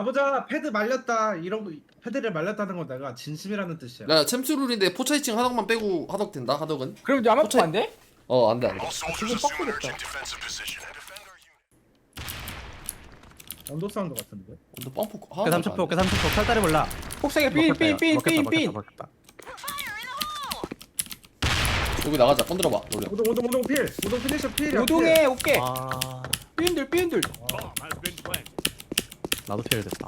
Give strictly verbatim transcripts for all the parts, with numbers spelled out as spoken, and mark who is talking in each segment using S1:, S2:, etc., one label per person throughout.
S1: 아보자 패드 말렸다 이런 거 패드를 말렸다는 건 내가 진심이라는 뜻이야.
S2: 야 챔스룰인데 포차 이 층 하덕만 빼고 하덕 된다 하덕은?
S3: 그럼 야마토
S2: 포차-
S3: 안 돼?
S2: 어 안돼 안돼.
S3: 지금 빡세겠다.
S1: 언더 사운드 같은데.
S2: 너 펌프
S4: 어깨
S2: 하나
S4: 삼십 포 어깨 삼십 포 철다리 몰라.
S3: 폭세게 삘삘삘삘삘.
S2: 여기 나가자 건드려봐 노래.
S1: 오동 오동 오동 필. 오동 피니셔 필이야.
S3: 우동에 어깨.
S4: 아
S3: 삐인들 삐인들.
S4: 나도 피해를 됐다.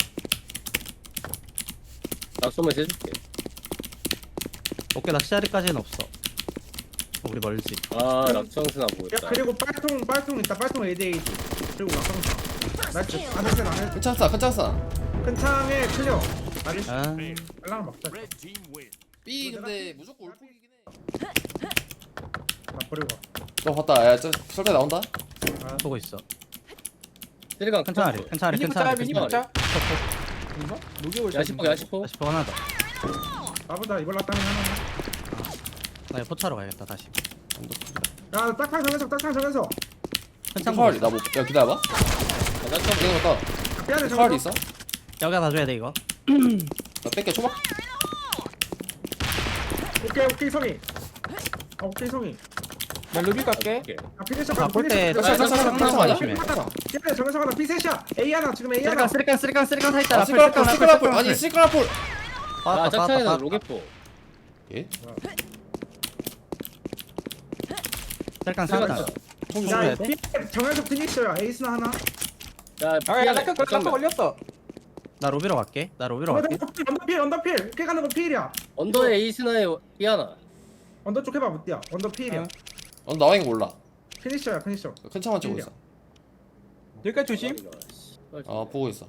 S5: 낙소만 해줄게.
S4: 어깨 낚시자리까지는 없어. 어, 우리 멀지.
S5: 아 낙청스나
S1: 야
S5: 보겠다.
S1: 그리고 빨통 빨통 있다. 빨통 에이디에이디. 그리고 낙성사. 나이스. 안했어 안했어.
S2: 큰 찬스야 큰 찬스야.
S1: 큰 창에 클리어. 나이스.
S4: 아
S1: 빨랑 막자.
S2: B 근데 무조건 올폭이긴 해.
S1: 나 버리고 가.
S2: 너 봤다 야저 설대 나온다.
S1: 아,
S4: 보고 있어.
S5: 쓰리강
S4: 괜찮아리 괜찮아리
S3: 미니 붙자
S4: 괜찮아리.
S3: 미니 붙자. 뭔가? 녹여올
S5: 야시포 야시포.
S4: 다시 포 하나 더.
S1: 나보다 이걸 놨다면 하나.
S4: 나 이거 포차로 가야겠다 다시.
S1: 야 딱탕 정해서 딱탕 정해서.
S4: 괜찮
S2: 칼이 나뭐 야 기다려봐.
S5: 야, 낙청
S2: 이거 맞다.
S1: 삐안에
S2: 칼이
S1: 정해서.
S2: 있어?
S4: 여기가 봐줘야 돼 이거.
S2: 나 뺄게 초밥.
S1: 오케이 오케이 성이. 아 오케이 성이.
S3: 나 루비 갈게.
S5: 오케이.
S1: 아 피니셔
S4: 아, 볼 때
S2: 야,
S4: 쌍쌍
S2: 쌍쌍
S4: 쌍쌍
S2: 쌍쌍 아니야?
S4: 조심해.
S1: 삐안에 정해서 하나 피셋이야. A 하나 지금 A 하나.
S4: 쓰리깡 쓰리깡 쓰리깡 쓰리깡 사 있잖아.
S2: 아 시크라폴 시크라폴 아니 시크라폴.
S5: 아 짝창에는 로켓포.
S2: 예?
S4: 쓰리깡
S5: 쓰리강
S4: 사.
S5: 쳐.
S1: 야 삐 정해서 피니셔야. 에이스나 하나.
S5: 야
S3: 아야 낙하 낙하 걸렸어.
S4: 나 로비로 갈게. 나 로비로 갈게.
S1: 언더필 언더필 오케이 가는 거 필이야.
S5: 언더에 에이스나에 삐하나.
S1: 언더 쪽 해봐 못디야. 언더 필이야.
S3: 어.
S2: 어 나와 있는 거 몰라.
S1: 피니셔야 피니셔.
S2: 큰 창만 찍고 있어.
S3: 여기까지 조심.
S2: 아 보고 있어.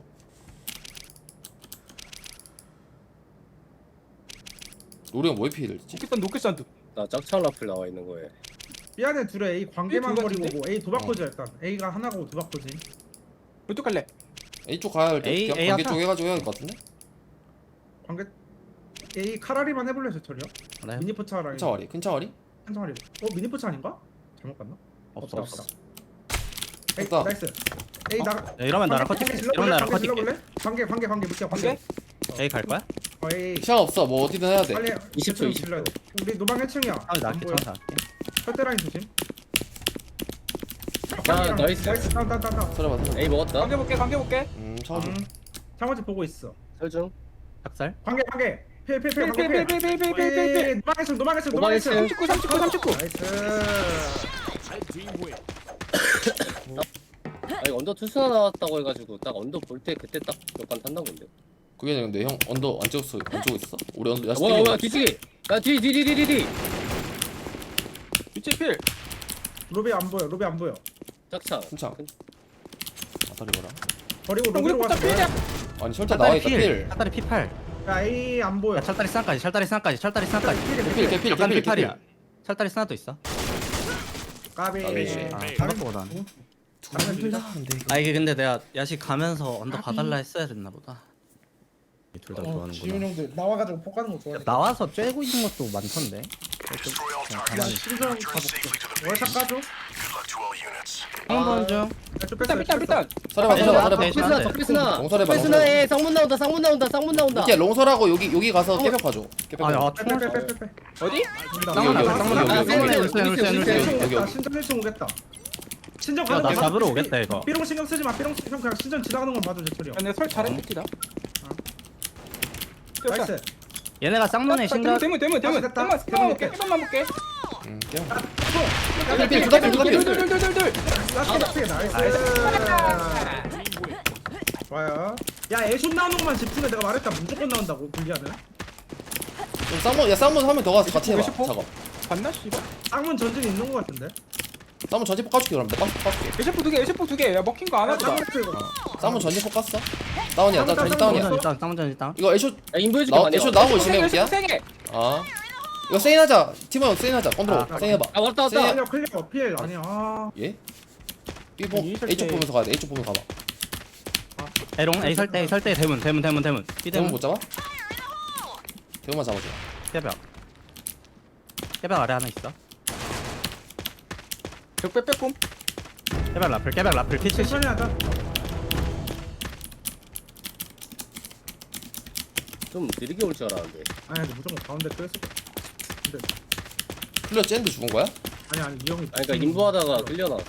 S2: 노래가 뭐에 피해를 지?
S3: 녹겠산 녹겠산 두.
S5: 나 짝창 라플 나와 있는 거에.
S1: 삐안에 둘에 A 관계만
S3: A 둘
S1: 버리고
S3: 같은데?
S1: 뭐 A 도박코지 일단. A가 하나고 도박코지.
S3: 어떡할래?
S2: A 쪽 가야 할 때.
S4: A,
S2: 그냥
S4: A
S2: 관계
S4: 하자.
S2: 쪽 해가지고 해야 될 것 같은데?
S1: 관계 A 카라리만 해볼래 저철이요?
S4: 네.
S1: 미니포차랑
S2: 큰 창아리 큰 창아리?
S1: 한 창아리. 어 미니포차 아닌가? 잘못 봤나?
S4: 없어
S1: 없다,
S4: 없어.
S1: 없다. 에이
S2: 됐다.
S1: 나이스. A 나.
S4: 야, 이러면 나랑 커팅게. 이러면 나랑 커팅게.
S1: 관계 관계 관계 물게 관계.
S3: 관계?
S4: A 갈 거야?
S1: 어 A.
S2: 시간 없어 뭐 어디든 해야 돼.
S1: 빨리
S5: 이십 초,
S1: 대충
S5: 이십 초.
S1: 질러야 돼. 우리 노방 일 층이야.
S4: 아 나갈게 청사 할게.
S1: 철대라인 조심.
S5: 야, 나이스.
S1: 나이스 다운 다운 다운 다운.
S2: 서려봐 서려봐.
S5: 에이 먹었다.
S3: 관계 볼게 관계 볼게.
S2: 음 창아리.
S1: 음. 창호지 보고 있어.
S5: 설중.
S4: 작살.
S1: 관계 관계. 필필필 관계 필.
S3: 필필필필필필필.
S1: 노방했어 노방했어
S5: 노방
S1: 노방했어.
S5: 일 층.
S3: 삼십구 삼십구 삼십구.
S1: 나이스.
S5: 아 이거 언더 투수나 나왔다고 해가지고 딱 언더 볼 때 그때 딱 몇간 탄다고 근데.
S2: 그게 아니라 근데 형 언더 안 찍었어 안 찍고 있어? 우리 언더 야스
S5: 뭐야 뭐야 뒤치기. 야뒤뒤뒤뒤뒤.
S3: 위치 필.
S1: 로비 안 보여 로비 안 보여.
S5: 짝창.
S2: 큰 창. 아다리 봐라.
S1: 버리고
S3: 우리
S1: 로비로
S3: 포차
S1: 가서
S3: 필이야.
S2: 아니 설대 나와 있다 필.
S4: 철다리 피 팔.
S1: 야 A 안 보여.
S4: 야 철다리 스나까지 철다리 스나까지 철다리 스나까지.
S2: 필 개필
S4: 약간
S2: 개필
S4: 피 팔이야.
S2: 개필.
S4: 철다리 스나도 있어.
S1: 까비.
S2: 까비.
S4: 아
S1: 다른-
S4: 생각보다.
S1: 다른 둘 다.
S4: 아 이게 근데 내가 야식 가면서 언더 봐달라 했어야 됐나 보다. 둘 다
S1: 어, 지훈
S4: 좋아하는구나.
S1: 형들 나와가지고 폭 가는 거 좋아해.
S4: 나와서 쬐고 있는 것도 많던데.
S1: 야 신선 가볼게. 월샷 까줘.
S4: 한번 좀.
S3: 삐딱 삐딱 삐딱.
S2: 서려봐 서려봐 서려봐.
S4: 네,
S5: 적배스나
S4: 네.
S5: 적배스나.
S2: 롱설해봐,
S5: 적배스나에 쌍문 나온다 쌍문 나온다 쌍문 나온다.
S2: 이렇게 롱설하고 여기 여기 가서 깨벽 봐줘. 깨벽.
S4: 아야
S2: 봐줘.
S4: 총알.
S1: 빼빼빼빼빼.
S3: 어디?
S4: 쌍문
S2: 여기,
S4: 나가 쌍문
S2: 여기,
S4: 나가.
S2: 여기,
S4: 쌍문
S5: 여기,
S4: 울산
S5: 여기,
S4: 울산
S5: 여기,
S4: 울산.
S2: 여기,
S1: 오겠다.
S2: 여기.
S1: 신전 일 층 오겠다. 신전
S4: 야,
S1: 가는
S4: 나
S1: 거
S4: 잡으러
S1: 봐줘.
S4: 오겠다, 이거.
S1: 삐롱 신경 쓰지 마. 삐롱 형 그냥 신전 지나가는 건 봐줘 제철이 형.
S3: 내설 잘했겠다.
S1: 나이스.
S4: 얘네가 쌍문에 신경.
S3: 대문 대문 대문.
S1: 됐다.
S3: 대문 스피만 볼게. 스피만 볼게.
S2: 응 깨벽.
S1: 아,
S2: 필 필 두다 필 두다 필.
S3: 둘둘둘둘둘.
S1: 라스트 라스트 나이스. 좋아요. 야 애쇼 나오는 것만 집중해. 내가 말했다 무조건 나온다고 분리하면.
S2: 좀 쌍문 야 쌍문 한 명 더 가서 같이 해봐.
S3: 몇십 포?
S2: 작업.
S3: 봤나 씨발.
S1: 쌍문 전진 있는 거 같은데.
S2: 쌍문 전지 poka줄게 그럼 내가 poka줄게.
S3: 에셰프 두 개, 에셰프 두 개. 야 먹힌 거 안 하다.
S1: 쌍문 이거.
S2: 쌍문 전지 poka어 다운이야 나 전지 다운이야.
S4: 쌍문 일단 쌍문 전 일단.
S2: 이거 애쇼
S5: 야 인보 해줄게
S2: 나
S5: 많이.
S2: 애쇼 나오고 있으면 볼게야.
S3: 세 개.
S2: 아 이거 세인하자. 팀원 세인하자. 건드려.
S1: 아,
S2: 세인해봐.
S5: 아 왔다 왔다.
S1: 클리어 클리어 필 아니야. 아.
S2: 예? B보
S3: 이 설때-
S2: A쪽 보면서 가야 돼. A쪽 보면서 가봐.
S4: 에롱 A 설대 A 설대 대문 대문 대문 대문. B
S2: 대문
S4: 대문.
S2: 못 잡아? 대문만 잡아줘.
S4: 깨벽. 깨벽 아래 하나 있어.
S3: 적배 빼꼼.
S4: 깨벽 라플 깨벽 라플 피 칠십.
S1: 천천히 하자.
S5: 좀 느리게 올 줄 알았는데.
S1: 아니 아니 무조건 가운데 또 했을 거야. 근데
S2: 클리어 쟤인데 죽은 거야?
S1: 아니 아니 이 형이.
S5: 아니 그러니까 인부하다가 끌려 나왔어.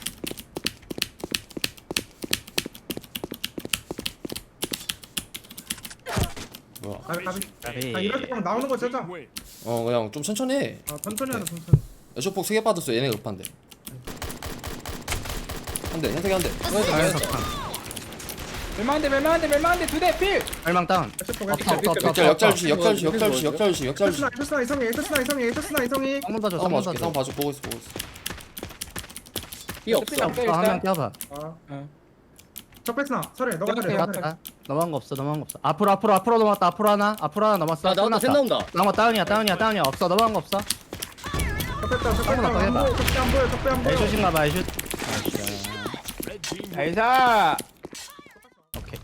S2: 뭐야?
S1: 가비 가비.
S4: 까비.
S1: 아 이럴 때 그냥 나오는 거 짜자.
S2: 어 그냥 좀 천천히 해.
S1: 아 천천히 하자 천천히.
S2: 애쇼폭 세 개 받았어. 얘네 급한데. 한 대, 현석이 한 대.
S4: 자연석 판.
S3: 멸망한대 멸망한대 멸망한대 두대 필.
S4: 멸망 다운.
S1: 에쇼폭
S4: 없어 없어 없어.
S2: 역잘, 역잘 주시,
S5: 이거
S2: 역잘 주시,
S5: 이거
S2: 역잘 주시,
S5: 뭐죠?
S2: 역잘 주시, 역잘 주시.
S1: 에쇼스나 에쇼스나 이성이 에쇼스나 이성이 에쇼스나 이성이.
S4: 쌍문 봐줘
S2: 쌍
S4: 쌍문
S2: 봐줄게, 쌍
S4: 봐줘.
S2: 봐줘. 보고 있어, 보고 있어.
S5: 삐 없어.
S3: 없어.
S4: 또 한명 껴봐.
S1: 아.
S3: 어.
S1: 적배스나 설해 너가
S3: 내가
S1: 설해.
S3: 내가
S1: 너가 설해.
S4: 넘어갔다. 넘어간 거 없어 넘어간 거 없어. 앞으로 앞으로 앞으로 넘어갔다. 앞으로 하나 앞으로 하나 넘었어.
S5: 아 나온다. 셋 나온다.
S4: 넘어 다운이야 다운이야 다운이야 없어 넘어간 거 없어.
S1: 적배스나 적배스나
S4: 한번 더
S1: 안
S4: 해봐.
S1: 보여 적배 안 보여 적배 안 보여.
S4: 애슛인가 봐 애슛.
S3: 나이스.
S4: 오케이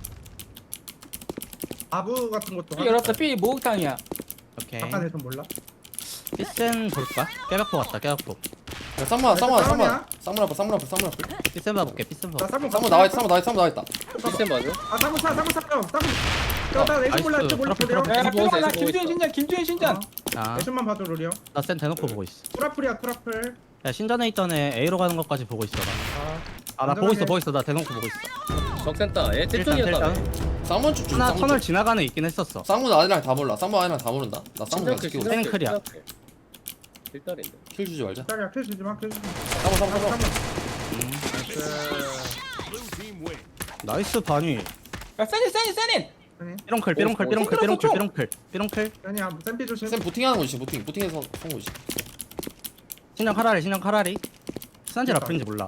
S1: 아부 같은 것도.
S3: 삐 열었어 삐 목욕탕이야.
S4: 오케이.
S1: 잠깐 해좀 몰라.
S4: 피센 볼까? 깨박포 왔다 깨박포.
S2: 야, 쌍문, 쌍문, 쌍문.
S1: 쌍문이야?
S2: 쌍문 앞에, 쌍문 앞에, 쌍문 앞에.
S4: 피센 봐볼게 피센 봐.
S1: 나 쌍문
S2: 쌍문 나와 있다, 쌍문 나와 있다, 쌍문 나와 있다.
S5: 시스템 맞아?
S1: 아 쌍문 사 쌍문 사 쌍문. 나 애쇼 몰라 애쇼 몰라
S4: 트러플,
S1: 로리형.
S4: 트러플.
S3: 야
S5: 보고 있어,
S3: 삐 하나
S5: 보고
S3: 김주현
S5: 있어.
S3: 신전 김주현 신전.
S4: 아,
S1: 애쇼만 봐줘 로리형.
S4: 나 센 대놓고 보고 있어.
S1: 쿠라플이야 쿠라플.
S4: 야 신전에 있던 애 A로 가는 것까지 보고 있어.
S1: 아.
S4: 아 나 보고 있어 보고 있어 나 대놓고 보고 있어.
S5: 적센터. 얘
S4: 일단
S5: 셋존이었다.
S4: 일단
S2: 쌍문 쪽 중,
S4: 하나
S2: 쌍문
S4: 터널
S2: 쪽.
S4: 지나가는 있긴 했었어.
S2: 쌍문 아니랑 다 몰라. 쌍문 아니랑 다 모른다. 나 쌍문 그냥
S5: 신작해
S2: 지키고.
S5: 신작해.
S4: 땡클이야.
S5: 일달인데.
S2: 킬 주지 말자.
S1: 딸이야 킬 주지 마 킬 주지 마.
S2: 쌍문, 쌍문, 쌍문.
S4: 나이스 반위.
S3: 야 세닌 세닌 세닌.
S4: 삐롱클 삐롱클 삐롱클 삐롱클 삐롱클 삐롱클.
S1: 아니야 샘피 조심.
S2: 쌤 부팅하는 거지, 부팅. 부팅해서 쏜 거지.
S4: 신장 카라리 신장 카라리. 수산지 라플인지 몰라.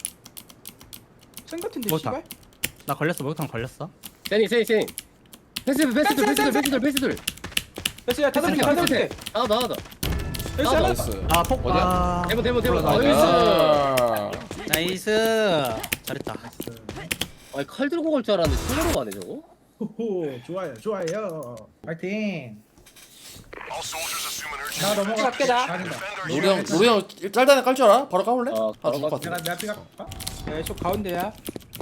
S3: 센 같은데
S4: 목욕탕.
S3: 씨발.
S4: 나 걸렸어 목욕탕 걸렸어.
S5: 세니 세니 세니. 패스들 패스들 패스들 패스들 패스들.
S3: 됐어 다섯 개
S5: 패스들
S3: 다섯 개.
S5: 패스들. 아 나가다.
S3: 됐어
S5: 아,
S3: 하나.
S2: 나이스.
S4: 아 폭.
S2: 어디야?
S4: 아.
S5: 대본 대본 대본.
S4: 올라가.
S5: 나이스.
S2: 아.
S4: 나이스. 잘했다.
S5: 아니 칼 들고 갈 줄 알았는데 손으로 가네 저거.
S1: 호호 좋아요 좋아요. 파이팅. 나 넘어가.
S3: 갈게, 나.
S1: 아니다.
S2: 로리 형, 로리 형 짤단에 깔 줄 알아? 바로 까볼래?
S5: 아,
S2: 아,
S5: 바로
S2: 죽을 것
S1: 내가
S2: 같은데.
S1: 내가 피가 갈까?
S3: 야, 저 가운데야.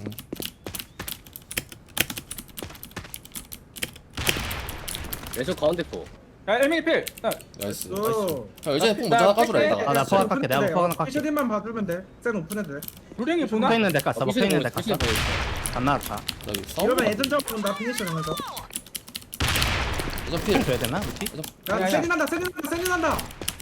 S5: 내저 가운데 거.
S3: 야, 일밀 필. 야,
S2: 나이스.
S1: 오.
S2: 형, 예전에 폭
S3: 나
S2: 먼저 하나 까주라,
S3: 뺄게.
S2: 이따가.
S4: 아, 나 포 하나 깎게, 내가 포 하나 깎게.
S1: 피셔딘만 봐주면 돼. 센 오픈해도 돼.
S3: 루랭이 보나?
S4: 먹혀 있는 데 깠어 먹혀 있는 데
S5: 피시는
S4: 깠어. 안 나왔다.
S2: 나 여기 싸움.
S1: 이러면 예전 점나 피니셔 하면서.
S2: 예전 필.
S4: 줘야 되나 우티?
S1: 야
S3: 야, 야.
S1: 세진 한다 세진 한다 세진 한다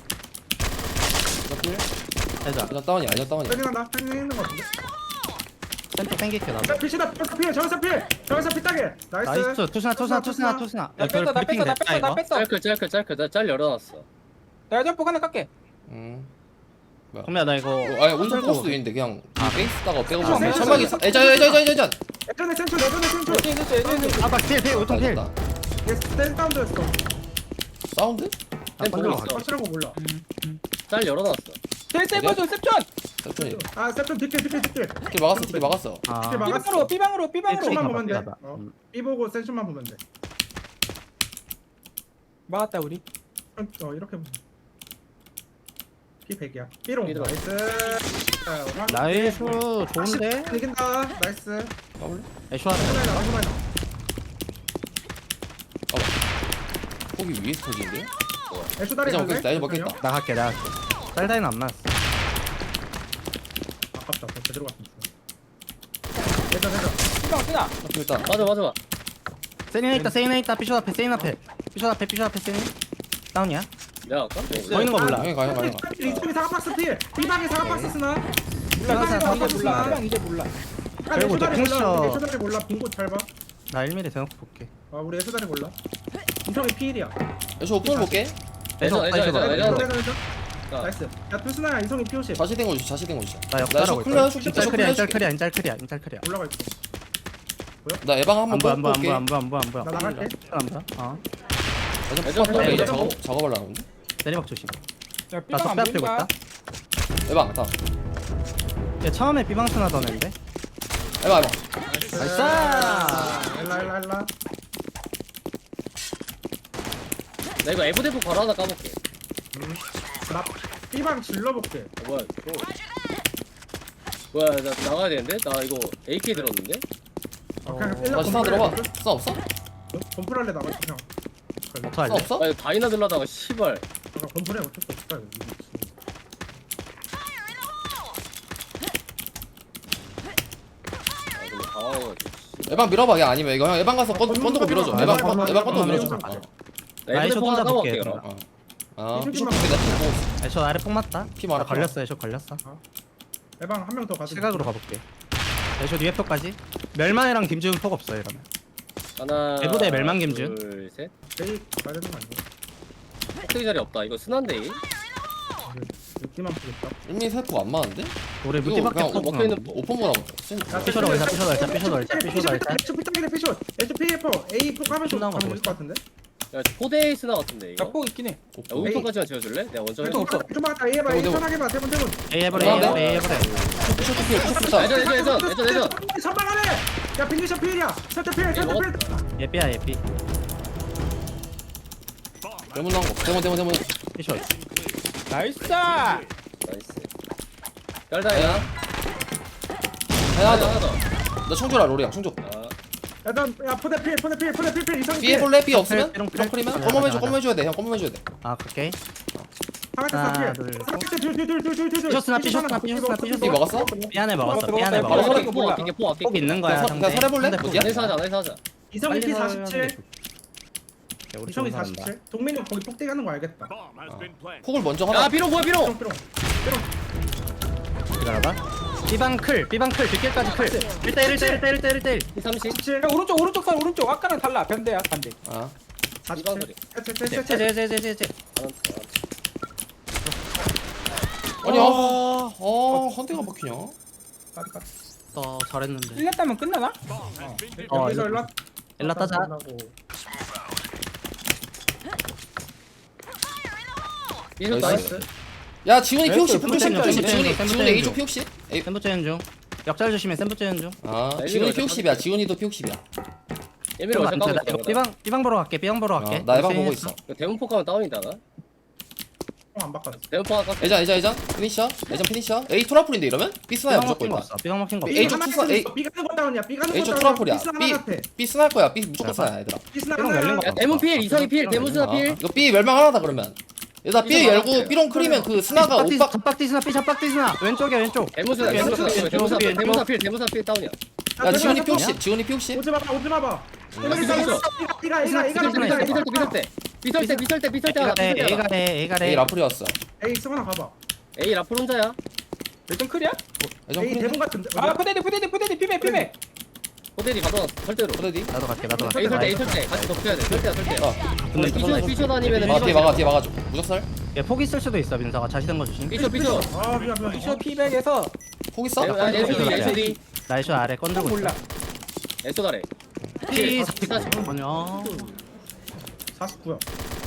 S2: 예전 필.
S4: 해자.
S2: 예전 다운이야, 예전 다운이야.
S1: 세진 한다 세진 있는 거 같은데.
S4: 센터 땡길게 나도.
S1: 야 피시다 저기서 피해 저기서 피해 저기서 피따게. 나이스.
S4: 나이스 투스나 투스나 투스나 투스나.
S3: 나 뺐어, 나 뺐어, 나 뺐어, 나 뺐어.
S5: 짤클 짤클 짤클 나짤 열어놨어.
S3: 나 점프 하나 깎게.
S2: 음.
S4: 그러면 나 이거.
S2: 어, 아니, 온전 코스도 있는데, 그냥. 아, 베이스다가 빼고
S1: 아,
S2: 보면.
S1: 네.
S2: 천막이, 예전, 예전, 예전, 예전, 예전.
S1: 예전에 센출 예전에 센출.
S3: 예전에 됐어, 예전에 됐어.
S4: 아박 필 필 우통 필.
S2: 됐다.
S1: 얘 센 다운드였어.
S2: 사운드?
S4: 아,
S5: 쌤 보고
S4: 번쩍
S5: 있어.
S1: 확실한 거 몰라.
S5: 짤 열어놨어.
S3: 제일 세버줘, 셉션.
S2: 세션이.
S1: 아 세션 뒷길 뒷길 뒷길.
S2: 뒷길 막았어, 뒷길 막았어.
S4: 아.
S1: 뒷길 막았어.
S3: B방으로, B방으로, B방으로.
S4: 일찍
S1: B만
S4: 가봐,
S1: 보면 돼.
S4: 가봐.
S1: 어.
S4: 음.
S1: B 보고 센션만 보면 돼.
S3: 막았다 우리.
S1: 어 이렇게 보면. B 백이야. B롱
S5: B로.
S1: 나이스. 자, 오늘
S4: 나이스 좋은데.
S1: 이긴다. 나이스.
S2: 까볼래?
S4: 애쇼 하자.
S1: 후라이 나와 후라이 나와.
S2: 폭이 위에서 터지는데?
S1: 애쇼 다리
S2: 예전
S1: 갈래?
S2: 먹겠다, 예전 먹겠다.
S4: 나갈게 나갈게. 쌀다이는 안 맞았어.
S1: 아깝다. 더 제대로 갔으면 좋아. 예전 예전.
S3: B방 쓰나?
S2: 일단.
S5: 맞아 맞아 맞아.
S4: 세인 있다 세인 있다 피쇼 앞에 세인 앞에 피쇼 앞에 피쇼 앞에 세인. 다운이야?
S5: 내가 아까?
S4: 보이는 거 몰라.
S2: 가요, 가요, 가요.
S1: 이쪽이 사각박스 필. B방에 사각박스 쓰나?
S3: 몰라,
S1: B방에
S3: B방
S1: 사각박스
S3: 이제 몰라.
S1: 쓰나?
S3: B방 이제 몰라.
S1: 아,
S4: 그리고
S1: 애쇼 다리
S4: 이제
S1: 몰라.
S4: 펜션.
S1: 애쇼 다리 몰라. 빈곳 잘 봐.
S4: 나 일 미리 대놓고 볼게.
S1: 아 우리 애쇼 다리 몰라. 인성이 피일이야.
S2: 애쇼 오픈을 볼게.
S5: 애쇼,
S4: 애쇼
S5: 애쇼,
S4: 애쇼.
S5: 애쇼.
S1: 애쇼
S5: 내가-
S1: 애쇼 애쇼.
S5: 자.
S1: 나이스. 야 투스나야 이성이 피오십.
S2: 자시된 거 주시, 자시된 거 주시.
S4: 나
S2: 나
S4: 역따라
S2: 애쇼
S4: 볼
S2: 클리어
S4: 거야.
S2: 해줄게,
S4: 인짤
S2: 애쇼
S4: 클리어
S2: 클리어
S4: 인짤
S2: 해줄게.
S4: 클리어 인짤 클리어 인짤 클리어.
S1: 올라가 있어.
S2: 나 에방
S4: 안
S2: 한번
S4: 보여 안 보여 안
S2: 볼게.
S4: 보여 안 보여 안 보여 안 보여.
S1: 나 나갈게.
S4: 안 보여. 어.
S2: 예전
S5: 예전
S2: 폭
S5: 플레이,
S2: 이제
S5: 예전
S2: 작업,
S5: 플레이.
S2: 작업하려는 건데?
S4: 내리막 조심.
S3: 야,
S4: 나
S3: B방 안
S4: 적배 앞에
S3: 보인다.
S4: 있다.
S2: 에방, 다운.
S4: 얘 처음에 비방스 나던 애인데.
S2: 에방, 에방.
S4: 나이스.
S1: 일라 일라 일라.
S5: 나 이거 에브데프 바로 하나 까볼게.
S1: 나 B방 질러볼게.
S5: 어, 뭐야 또. 뭐야 나 나가야 되는데? 나 이거 에이케이 들었는데?
S1: 어, 그냥
S2: 다시 사 들어봐. 사 없어?
S1: 범프랄레 나가 그냥.
S4: 오토 할래?
S2: 없어?
S5: 아니 다이나 들라다가 씨발.
S1: 잠깐 건물에 어쩔 수 없다. 이거.
S5: 아 근데 당황해가지고.
S2: 에방 밀어봐. 야 아니면 이거 형 에방 가서 건 건드고 밀어줘.
S1: 아,
S2: 에방
S1: 아,
S2: 건
S1: 아,
S2: 에방
S1: 아,
S2: 건드고
S1: 아,
S2: 밀어줘.
S1: 아,
S2: 어.
S5: 나
S4: 나이
S5: 애들
S4: 좀
S5: 포 하나
S4: 혼자 볼게,
S5: 까볼게
S4: 그럼.
S5: 그럼.
S2: 아
S1: 이
S2: 피쇼
S1: 새끼만
S2: 내가 피 보고 있어.
S4: 애쇼 아래 폭 맞다.
S2: 피 많아,
S4: 나 걸렸어. 애쇼 걸렸어.
S1: 에방 한 명 더 가자.
S4: 시각으로 가볼게. 애쇼 뒤에 폭까지. 멸망이랑 김지훈 폭 없어 이러면.
S5: 하나.
S4: 대부대 멸망 김준.
S5: 둘 셋.
S1: 내일 가야 되는 거 아니야?
S5: 흑대기 자리 없다. 이거 순한데.
S1: 느낌만 보겠다.
S2: 일미 세포 안 많은데?
S4: 우리
S2: 이거
S4: 무티밖에
S2: 그냥
S4: 폭
S5: 먹혀 있는
S2: 오픈보다 센.
S4: 피셔로 걸자, 피셔로 걸자, 피셔로 걸자, 피셔로 걸자.
S1: 에스 피딱이네 피숏. 에스 피에프 A 폭 하면 좀
S4: 끝나고
S5: 뭐
S1: 가면
S4: 가고
S1: 될것 같은데?
S5: 야 포데이 스나 같은데 이거.
S3: 나폭 있긴 해.
S5: 야 우유통까지만 지어줄래? 내가 원정 해줘.
S3: 없어.
S1: 좀 막다 A 해봐. A
S2: 대본,
S1: 편하게 봐. 대본 대본.
S4: A 해버려, A 해버려, A 해버려.
S2: 피쇼 피쇼 피쇼 피쇼.
S5: 예전 예전 예전 예전 예전.
S1: 선방하네. 야 빙기샷 필이야. 설대 필. 설대
S5: 먹었-
S1: 필.
S4: 예삐야, 예삐.
S2: 대문 나온 거. 대문 대문 대문.
S4: 피셔.
S3: 나이스.
S5: 나이스. 열다야.
S2: 하나
S5: 하나
S2: 더.
S5: 하나 더.
S2: 나 총줘라 롤이야 총줘.
S5: 아,
S1: 일단 야 포대 필. 포대 필. 포대 필. 필 이상
S2: B 해볼래? B 없으면?
S4: 삐롱,
S2: 삐롱 크리면?
S4: 삐롱.
S2: 껌멈 해줘
S4: 가자,
S2: 껌멈 해줘야 돼. 형 껌멈 해줘야 돼.
S4: 아, 오케이.
S1: 하나
S4: 하나,
S1: 둘.
S4: 둘,
S1: 둘둘둘둘둘둘.
S4: 삐졌으나, 삐졌으나, 삐졌으나, 삐졌으나.
S2: B 먹었어?
S4: 삐안에 먹었어,
S3: 들어갔다,
S4: 삐안에
S3: 들어갔다.
S5: 바로
S4: 먹었어.
S5: 설에
S3: 이거
S5: 포
S3: 몰라.
S5: 아끼게 포 아끼게.
S4: 폭 있는 거야,
S2: 그냥 서-
S4: 상대.
S2: 그냥 설해볼래?
S4: 상대 폭.
S2: 어디야?
S5: 내사 하자 내사 하자.
S1: 이성이 피
S4: 빨리
S1: 사십칠.
S4: 야, 우리
S1: 이성이
S4: 좋은 사람다.
S1: 사십칠. 동민이 형 거기 폭대기 하는 거 알겠다.
S2: 폭을 먼저
S5: 야
S2: 하나.
S5: 비룡 뭐야 비룡.
S1: 삐롱 삐롱.
S4: 기다려봐. 삐방 클, 삐방 클, 뒷길까지 클. 일 대 일, 일 대 일, 일 대 일, 일 대 일, 일 대 일.
S5: 피 삼십.
S1: 사십칠.
S3: 야 오른쪽 오른쪽 살 오른쪽. 아까랑 달라. 반대야 반대.
S2: 아.
S1: 사십칠.
S4: 제,
S1: 셋셋셋셋.
S4: 제, 제, 제, 제, 제.
S2: 아니 아. 어 헌대가 막히냐?
S4: 너 잘했는데.
S3: 일 년 따면 끝나나?
S4: 어,
S1: 여기서
S4: 일로-
S1: 연락.
S4: 일라 따자.
S5: 이거
S2: 나이스.
S5: 나이스.
S2: 야 지훈이 피 혹시
S3: 나이스.
S2: 피 혹시
S4: 센터
S2: 지훈이
S4: 센터
S2: 지훈이
S4: 센터
S2: 지훈이
S4: 센터
S2: A조 피 혹시? A
S4: 센부 째는 중. 역잘 조심해. 센부 째는 중.
S2: 아
S5: 나
S2: 지훈이
S5: 일리가
S2: 피 혹십이야. 지훈이도 피 혹십이야.
S5: 예미를 완전 까고
S4: 이거
S5: 있어.
S4: 삐방 삐방 보러 갈게. 삐방 보러 갈게.
S2: 어, 나 에방 보고 있어.
S5: 대문포 가면 다운이다 나.
S1: 안 바꿨어.
S5: 대문포 아까
S2: 예전 예전 예전 피니셔 예전 피니셔 A 투라풀인데 이러면 B 스나야
S4: 삐방
S2: 무조건
S4: 먹힌 거
S2: 일단.
S4: 없어. 삐방 먹힌 거
S2: A
S4: 없어.
S1: B
S2: 쪽
S1: 하나
S2: 투사,
S1: 있어.
S2: A-
S1: B 가는 거 다운이야. B 가는 거
S2: A 쪽
S1: 다운.
S2: 투라풀이야.
S1: B 하나
S2: B
S1: 같아.
S2: B 스나일 거야. B 무조건
S4: 자,
S2: 스나야 얘들아.
S1: B 스나
S4: 삐롱
S1: 하나.
S4: 열린 거
S5: 야 대문 필 이성이 필 대문 스나
S2: 아,
S5: 필.
S2: 이거 B 멸망 하나다 그러면. 얘들아 B
S5: 삐져
S2: 열고
S5: 나갈게.
S2: B롱 크리면 그 스나가
S4: 잡박디
S2: 오빠
S4: 잡박디 스나 삐 잡박디 스나. 왼쪽이야 왼쪽.
S5: 대문 스나
S4: 왼쪽,
S5: 대문 스나
S4: 왼쪽,
S5: 대문 스나
S4: 왼쪽.
S5: 대문 스나 필 대문 스나 필 다운이야.
S2: 야 지훈이 피 혹십 지훈이 피 혹십.
S1: 오지 마봐. 오지 마봐.
S5: 삐져 삐져
S1: 이가 이가 이가
S5: 비설 때 비설 때 비설 때 비설 때 비설 때 비설 때 하나
S4: A가 돼.
S5: 비설 때
S4: A가
S5: 하나.
S4: 돼. A가
S2: A
S4: 돼.
S2: 라풀이었어.
S1: 에이 승원아 가봐.
S5: 에이 라플 혼자야.
S3: 일등 클이야?
S2: 예전
S1: 에이
S2: 크리.
S1: 대본 같은데.
S3: 아 푸데디 푸데디 푸데디 피메 피메.
S5: 호텔이 가둬 절대로.
S2: 어디?
S4: 나도 갈게. 나도 갈게.
S5: 에이 설때 에이 설때 같이 덮쳐야 돼. 설때야 설때.
S2: 어.
S4: 근데
S5: 삐져 삐져 다니면은
S2: 아 뒤에 막아 뒤에 막아줘. 무적살?
S4: 얘 폭 있을 수도 있어. 민서가 자시던 거 조심.
S5: 삐져 삐져.
S1: 아 미안 미안.
S3: 피셔 피백에서
S2: 폭 있어?
S5: 아 에스디 에스디
S4: 나이쇼 아래 건들고
S3: 몰라.
S4: 있어.
S5: 에스다래.
S4: 피
S5: 사십.
S4: 아니야.
S1: 사십구야.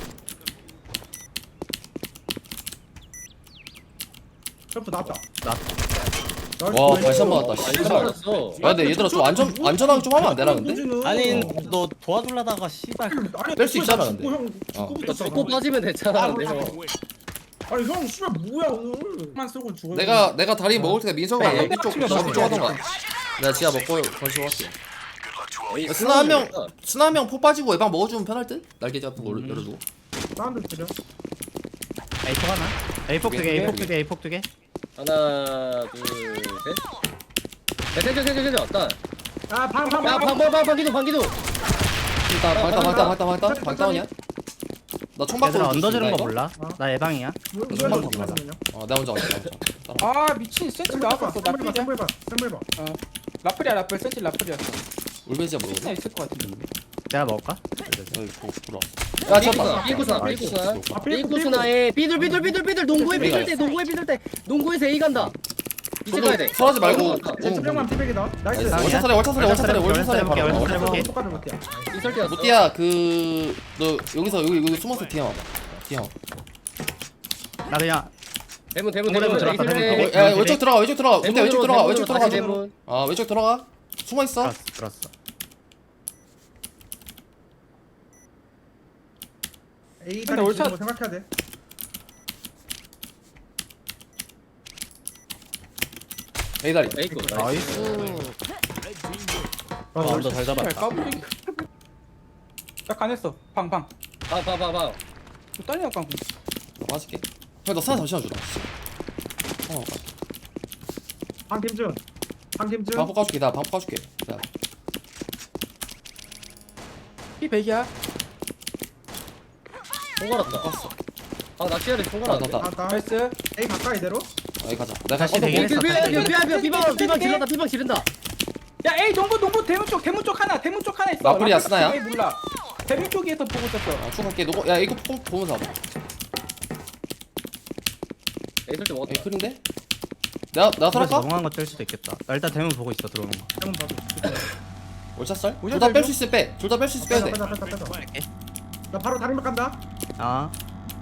S1: 점프 나왔다.
S2: 와 발샷 맞았다.
S5: 안
S2: 씨발.
S5: 맞았어.
S2: 야 근데 얘들아 좀 안전 안전하게 좀 하면 안 되나 근데?
S4: 아니 너 도와주려다가 씨발.
S2: 뺄수 있잖아, 근데.
S1: 형
S2: 어.
S1: 죽고
S5: 너 죽고 빠지면 됐잖아. 근데 형.
S1: 아니 형 씨발 뭐야 오늘. 만 쓰고 죽어.
S2: 내가 내가 다리 먹을 테니까 민서가
S3: 네,
S2: 이쪽
S3: 치면
S2: 이쪽
S3: 돼.
S2: 하던가. 내가 지하 먹고 건식 할게.
S5: 에이,
S2: 스나 한 명, 스나 한 명 포 빠지고 예방 먹어주면 편할 듯? 날개 잡고 음. 열어두고.
S1: 사운드 들려.
S4: A 폭 하나. A 폭 두 개. A 폭 두 개. A 폭 두 개.
S5: 하나 둘 셋. 야 센터 센터 센터 왔다.
S1: 아방방
S5: 야 방방 방기도 방기도.
S2: 일단 방다 방다 방다 방다 방다운이야? 나 총받고
S4: 얘들아 언더 지른 거 몰라? 나 예방이야.
S2: 정말 궁금하다. 어 내가 먼저 갈게. 나 먼저. 따라와.
S3: 아 미친 센치 나왔었어. 나 피자.
S1: 샘플 봐. 샘플 봐.
S3: 라플이야 라플 센치 라플이었어.
S2: 울베지야
S3: 센치
S2: 모르겠어.
S3: 있을 것 같은데.
S4: 내가 먹을까?
S2: 여기 보 불어. 야 잡았다.
S5: 삐꾸스나 삐꾸스나
S1: 아,
S5: 삐꾸스나에 삐들 삐들 삐들 삐들 농구에 삐들 때 농구에 삐들 때 농구에서 A 간다. 이제 가야 돼.
S2: 설하지 말고.
S1: 왼쪽만 피백이다. 나이스.
S2: 나이스. 월차살에 월차살에 월차살에 월차살에
S4: 볼게,
S2: 바로.
S4: 월차살에 볼게.
S1: 똑같은 못 뛰어.
S5: 이설 때였어.
S2: 무띠야 그너 여기서 여기 여기 숨어서 뒤에 와봐. 뒤에 와봐.
S4: 나 그냥
S5: 대문 대문
S4: 대문
S5: 대문
S4: 들어갔다,
S5: A
S4: 대문
S5: 설때.
S2: 야 왼쪽 들어가 왼쪽 들어가. 무띠야 왼쪽 들어가 왼쪽 들어가.
S5: 다시 대문.
S2: 아 왼쪽 들어가. 숨어 있어.
S4: 들었어. 들었어.
S1: A
S3: 근데
S1: 다리
S3: 올차-
S1: 지는 거 생각해야 돼.
S2: A 다리.
S5: A 거.
S4: 나이스.
S2: 아, 언더 잘
S3: 잘
S2: 잡았다.
S3: 까불기. 딱 간했어. 방 방.
S5: 봐봐봐봐.
S3: 또 딸려 깡.
S2: 나 빠질게. 형, 너 사나 잠시만 주라. 어,
S1: 황김준 황김준
S2: 방폭 까줄게. 나 방폭 까줄게. 자,
S3: 피 백이야.
S5: 총괄았다.
S2: 깠어.
S5: 아 낚시하래
S2: 나,
S5: 총괄았네.
S2: 나, 나.
S1: 나왔다
S3: 나이스.
S1: A 가까이 대로
S2: 아, 여기 가자. 내가
S4: 다시
S2: 가서
S4: 되게
S2: 뭐-
S4: 했어.
S5: 비방 비방 비방 비방 비방 지른다 비방 지른다.
S3: 야 에이 동부 동부 대문 쪽 대문 쪽 하나 대문 쪽 하나 있어.
S2: 라플이야,
S3: 라플
S2: 스나야?
S3: 에이, 몰라. 대문 쪽에서 보고 있었어.
S2: 아, 추가할게. 너거, 야, 이거 보- 보면서 와봐.
S5: 에이 설때 먹었다.
S2: 에이, 클인데? 내가, 내가
S4: 그래서
S2: 살았까?
S4: 넘어간 거 뜰 수도 있겠다. 나 일단 대문 보고 있어 들어오는 거.
S1: 한번 봐도
S2: 월샷
S3: 월샷
S2: 둘 다 뺄
S3: 빼줘?
S2: 수 있어, 빼. 둘 다 뺄 수 있어, 빼야 돼.
S1: 빼자 빼자 빼자 빼자 나 바로 다리막 간다
S4: 아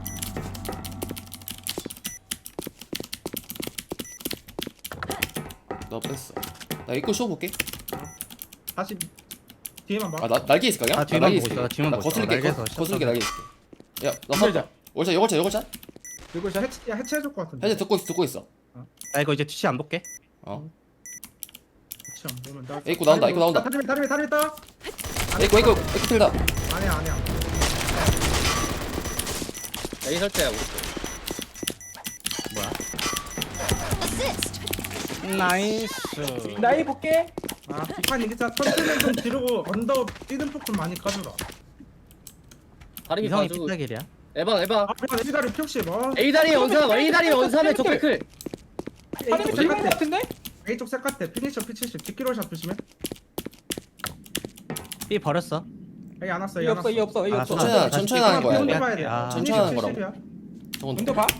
S2: 나 뺐어. 나 입고 쇼 볼게.
S1: 다시 뒤에만 봐
S2: 아, 나, 날개 있을까, 그냥?
S4: 아, 뒤만
S2: 날개
S4: 보고
S2: 있을게.
S4: 있어, 나 뒤만
S2: 나
S4: 보고 있어.
S2: 거슬게,
S4: 날개에서
S2: 거- 거슬게
S4: 샷
S2: 날개 있을게. 야, 나
S3: 힘들자.
S2: 사, 월샷, 요걸샷, 요걸샷?
S3: 이거 샷.
S1: 해체, 야 해체해줄 것 같은데
S2: 현재 듣고 있어, 듣고 있어.
S4: 나 이거 이제 티시 안 볼게.
S2: 어.
S1: 해체 안 되면 나
S2: 에이쿠 나온다, 에이쿠 나온다.
S1: 다리 다리 다리 있다
S2: 에이코, 에이코, 에이코 틀다.
S1: 아니야 아니야
S5: 에이 설때야 우리.
S4: 나이스.
S3: 나이 볼게.
S1: 아 비판 이기자 천천히 좀 지르고 언더 뛰는 폭 좀 많이 까주라
S5: 다리
S4: 이성이
S5: 가지고.
S4: 삐딱일이야.
S5: 에방 에방.
S1: 아 그냥 A 다리 픽시 뭐
S5: A 다리 원삼 A 다리 원삼에 적백클.
S3: 하늘
S1: 어디?
S3: 대문 같은데?
S1: A 쪽 색깔 때 피니셔 피 칠십 뒷기로샷 조심해
S4: 삐 버렸어.
S1: A 안 왔어
S3: 이
S1: A 안
S3: 없어
S1: 왔어
S3: 이 없어 이
S4: 아,
S3: 없어.
S2: 천천히
S4: 아,
S2: 하는, 천천히 하는 거야.
S1: 비콘도
S2: 이거.
S1: 봐야 돼
S4: 아,
S2: 천천히 하는 거라고.
S1: 칠십이야.
S2: 저건
S3: 문도 봐.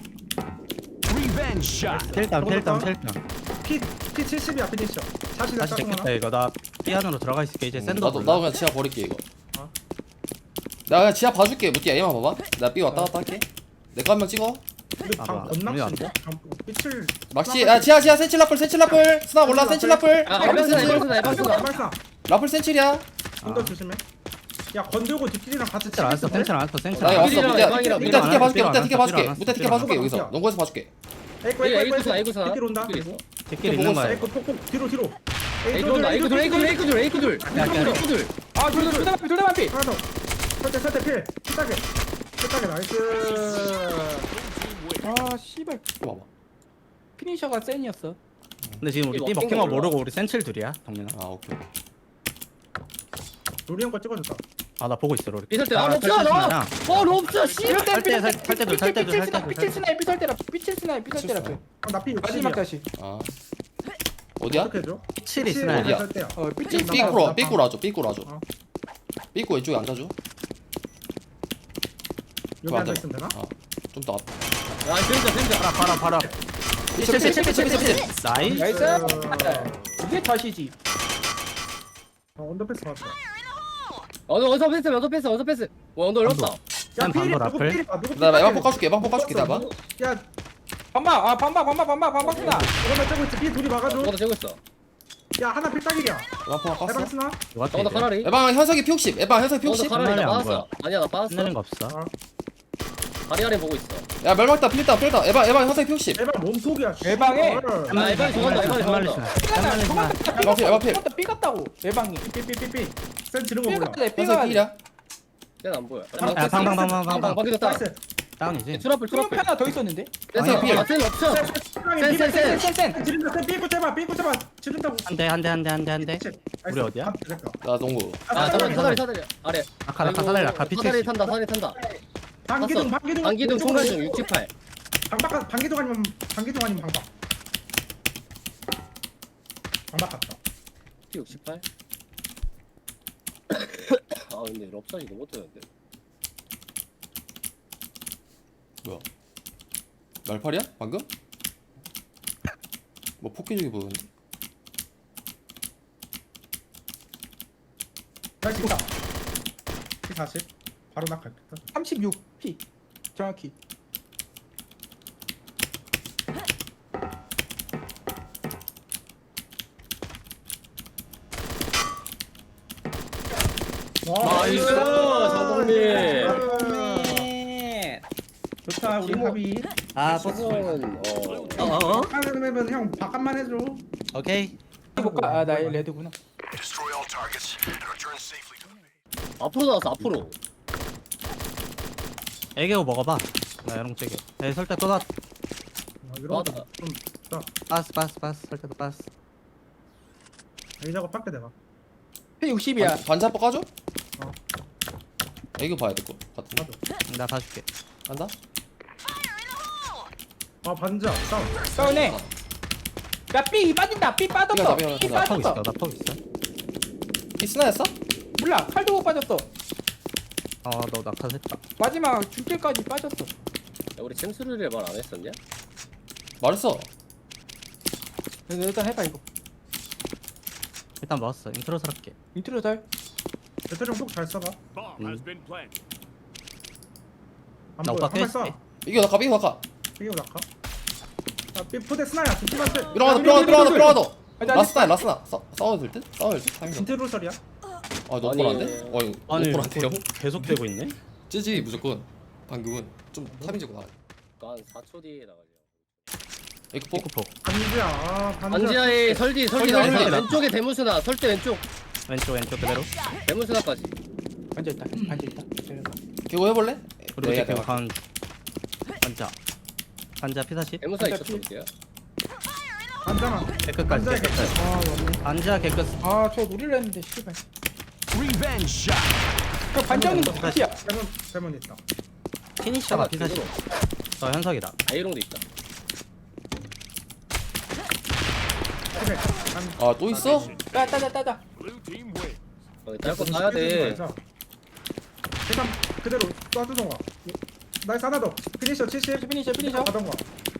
S4: 텔다운 텔다운
S1: 먹었다.
S4: 텔다운.
S1: P P 칠십이야 피니셔 샷이
S4: 다시
S1: 다
S4: 됐겠다 이거. 나 삐 안으로 들어가 있을게 이제. 샌더
S2: 나도,
S4: 몰라.
S2: 나도 그냥 지하 버릴게, 이거.
S1: 어.
S2: 나 그냥 지하 봐줄게. 무띠야, 얘만 봐봐. 나 B 왔다 갔다 할게. 내 거 한 명 찍어.
S1: 우리
S4: 아,
S1: 방
S4: 뭐야.
S1: 언낚시인데? 삐칠
S2: 막시, 야, 지하, 지하, 센칠 라플, 센칠 라플. 스나 몰라, 센칠 라플.
S5: 아
S2: 라플
S5: 에방 쓰나
S2: 센칠.
S5: 에방 쓰나 에방 쓰나.
S1: 발사
S2: 라플 센칠이야.
S1: 언더 조심해 야 건들고 뒷길이랑 같이
S4: 센칠 안 왔어. 센칠 안 왔어. 센칠
S2: 나
S4: 안
S2: 여기
S4: 왔어.
S2: 왔어.
S5: 삐리랑
S2: 무띠야,
S5: 에방이랑
S2: 무띠야, 티켓 봐줄게.
S4: 삐리랑
S2: 무띠야, 티켓
S4: 삐리랑
S2: 봐줄게.
S4: 삐리랑
S2: 무띠야, 티켓
S4: 삐리랑
S2: 봐줄게,
S1: 삐리랑
S2: 여기서.
S1: 삐리랑
S2: 농구에서 봐줄게.
S1: 에이코
S5: 에이
S1: 에이코
S5: 에이 구사 에이
S1: 에이코
S5: 구사.
S1: 뒷길 온다
S5: 뒷길 있어.
S4: 뒷길 있는 거야.
S1: 에이코 폭폭 뒤로 뒤로
S5: 에이 들어온다 에이 둘 에이 둘 에이 둘 에이 둘 에이 둘.
S3: 아 둘, 둘, 둘 다 반피, 둘 다 반피.
S1: 하나 더 설대 설대 필 피딱에 피딱에 나이스
S3: 아 씨발
S2: 봐봐.
S3: 피니셔가 센이었어.
S4: 근데 지금 우리
S5: 삐
S4: 삐
S5: 먹힌
S4: 먹힌
S5: 거
S4: 거
S5: 몰라.
S4: 모르고 우리 센칠 둘이야. 동민아.
S2: 아, 오케이, 오케이.
S1: 우리 형거 찍어줬다
S4: 아 나 보고 있어 로리.
S5: 삐 설때
S4: 아,
S5: 아 럽스야
S4: 탈퇴
S5: 너.
S4: 스나야.
S5: 어 럽스야 씨.
S3: 이럴 때
S4: 살 때, 살- 살 때도, 살 때도, 살 때도,
S3: 삐칠 스나이 삐칠 스나이 삐설 때라 삐칠 스나이 삐설 때라.
S1: 나피
S3: 마지막
S1: 육십이야
S3: 다시.
S2: 아. 어디야?
S1: 어떻게 해줘?
S4: 칠이 스나야.
S2: 어디야?
S1: 설대야
S3: 어
S2: 삐,
S3: 삐칠
S1: 삐-
S2: 삐꾸로,
S1: 나-
S2: 삐꾸로 하죠, 삐꾸로 하죠.
S1: 어.
S2: 삐꾸 왼쪽에 앉아줘.
S1: 여기
S2: 앉아.
S1: 앉아있으면 되나?
S2: 아, 좀 더. 앞.
S5: 야 진짜 진짜.
S4: 봐라 봐라 봐라.
S2: 삐칠, 삐칠, 삐칠, 삐칠, 삐칠.
S4: 나이스.
S3: 나이스.
S1: 어.
S3: 이게 다시지.
S1: 어 언더패스 봤어
S5: 어서 어서 패스 어서 패스 어서 패스. 와 언더 어렵다.
S1: 야
S4: 난
S1: 필이
S4: 방금
S1: 누구
S4: 앞을.
S1: 필이 봐 누구
S2: 나
S1: 필이
S2: 에방
S1: 봐.
S2: poka줄게, 에방 poka줄게, 나 봐.
S1: 야
S3: 반박 아 반박 반박 반박 반박 스나.
S1: 이거만 쩌고 있지 피 둘이 막아줘
S5: 저거도 재고 있어.
S1: 야 하나 필딱이야
S2: 에방 포
S1: 해방
S2: 깠어.
S1: 쓰나?
S5: 저거도 카라리.
S2: 에방 현석이 피 육십, 에방 현석이 피
S5: 저거도
S2: 육십.
S5: 카라리 나
S4: 끝나네, 안
S5: 빠졌어. 아니야 나 빠졌어.
S4: 끝내는 거 없어.
S5: 다리 아래 보고 있어.
S2: 야, 멸망다, 필다, 필다. 에방, 에방 현석이 피 육십.
S1: 에방 몸속이야
S3: 에방에?
S5: 아 에방이 저건다 에방이 저건다.
S3: 스나 저것도
S2: 에방 필, 에방 필.
S3: 저것도 삐 같다고 예방이.
S1: 삐삐삐삐 센 지른 거
S3: 삐
S1: 몰라
S3: 같대 삐
S2: 현석이
S3: 같대.
S2: 필이야.
S5: 쟤는 안 보여.
S4: 아, 방, 방, 방, 방, 방,
S5: 방방
S4: 방.
S5: 방기졌다.
S1: 나이스
S4: 다운이지.
S5: 트러플
S3: 트로피
S5: 트러플.
S3: 하나 더 있었는데?
S5: 됐어.
S2: 필.
S5: 아 쟤는 없어.
S1: 센
S5: 센, 센,
S3: 센센.
S1: 지른다 센 삐고 잡아 삐고 잡아 지른다고
S4: 한 대 한 대 한 대 한 대 한 대. 우리 어디야?
S2: 나 농구.
S5: 아 사다리 사다리 사다리 아래.
S4: 아까 아까 사다리 아까
S5: 사다리
S4: 피칠.
S5: 탄다 사다리 탄다.
S1: 방기동 방기동
S5: 방기둥 총괄중 육십팔.
S1: 방박 방기동 아니면 방기동 아니면 방박 방박 같다
S5: 피 육십팔. 아 근데 럽사이 너무 못하는데.
S2: 뭐야? 날팔이야? 방금? 뭐 폭기적이 보였는데?
S1: 나이스 있다 피 사십 바로 낙할겠다
S3: 삼십육 피 정확히.
S5: 나이스, 장동민.
S1: 좋다 우리
S5: 팀워-
S1: 합의
S4: 아
S5: 지금은 어.
S4: 어?
S1: 하는 맵은 형 바깥만 해줘
S4: 오케이.
S3: 해볼까? 아나 레드구나.
S6: Destroy all targets and return safely to the base.
S5: 앞으로 나왔어 앞으로.
S1: 와
S5: 아,
S1: 나이스
S5: 앞으로.
S4: 애기고 먹어봐. 나 이런 거 째게. 에 설대 또 나.
S1: 아, 이런
S5: 맞아.
S1: 거좀 자,
S4: 빠스 빠스 빠스 설대도 빠스.
S1: A 작업 밖에 내가.
S3: 피 육십이야.
S2: 반지 한번 까줘?
S1: 어.
S2: 애교 봐야 될 것 같은데.
S1: 맞아.
S4: 나 봐줄게.
S2: 간다?
S1: 아 반자. 다운.
S3: 싸우네. 야삐 빠진다. 삐 빠졌어.
S2: 삐가
S3: 삐
S2: 나, 삐가
S4: 나 퍽 있어.
S3: 빠졌어.
S4: 나 퍽 있어.
S2: 이 스나였어?
S3: 몰라. 칼도 못 빠졌어.
S4: 어너 낙하했다.
S3: 마지막 줄길까지 빠졌어.
S5: 야, 우리 챔스루를 말 안 했었냐?
S2: 말했어.
S3: 그래서 일단 해봐 이거.
S4: 일단 먹었어. 인트로스럽게.
S3: 인트로 잘.
S1: 배터리 폭잘 써봐.
S6: Bomb has been planted.
S1: 안
S4: 나
S1: 보여.
S4: 오빠
S1: 한발 쏴.
S4: 깼지?
S2: 이겨 나가 이겨 나가.
S1: 이게 낙하. 아, 삐 포대 스나야. 두팀 한테.
S2: 삐롱하다 삐롱하다 삐롱하다 삐롱하다. 라스나 라스나. 싸 싸워도 될 듯? 싸워도 될 듯? 타이밍.
S1: 진트 로설이야.
S2: 아
S5: 아니,
S2: 노플한데? 어 이거
S4: 아니
S2: 노플한데요?
S4: 계속 되고 있네.
S2: 찌지 무조건. 방금은 좀 타이밍 잡고 나가.
S5: 한 사 초 뒤에 나가려.
S2: 에이크 포.
S4: 피크폭.
S1: 반지야. 아 반지야.
S5: 반지하에 설디 설디
S2: 설디,
S5: 나왔어.
S2: 설디.
S5: 왼쪽에 대문수나 설대 왼쪽
S4: 왼쪽 왼쪽 그대로.
S5: 대문수나까지.
S3: 앉아 있다. 앉아 있다.
S2: 개고 해볼래?
S4: 그리고
S2: 네,
S4: 지금
S2: 네.
S4: 간 반자. 반자 피사십.
S5: 대문수나
S3: 진짜
S5: 있었어 이제야.
S1: 반자만.
S4: 개끝까지.
S1: 반자에
S4: 개끝까지.
S3: 아 맞네.
S4: 반자 개끝.
S3: 아저 노리려 했는데 씨발.
S6: Revenge shot.
S3: 저 반장님 거 끝이야.
S1: 대문 대문 있다.
S4: 피니셔가
S5: 하나
S4: 피사십.
S5: 뒤로.
S4: 저 현석이다.
S5: 아이롱도 있다.
S1: 그래. 반.
S2: 아또 있어?
S3: 따 따자 따자.
S6: Blue team win.
S5: 어, 딸거 따야 돼.
S1: 일단 그대로 쏴주던가. 나이스 하나 더. 피니셔 칠십.
S3: 피니셔 피니셔.
S1: 가던가.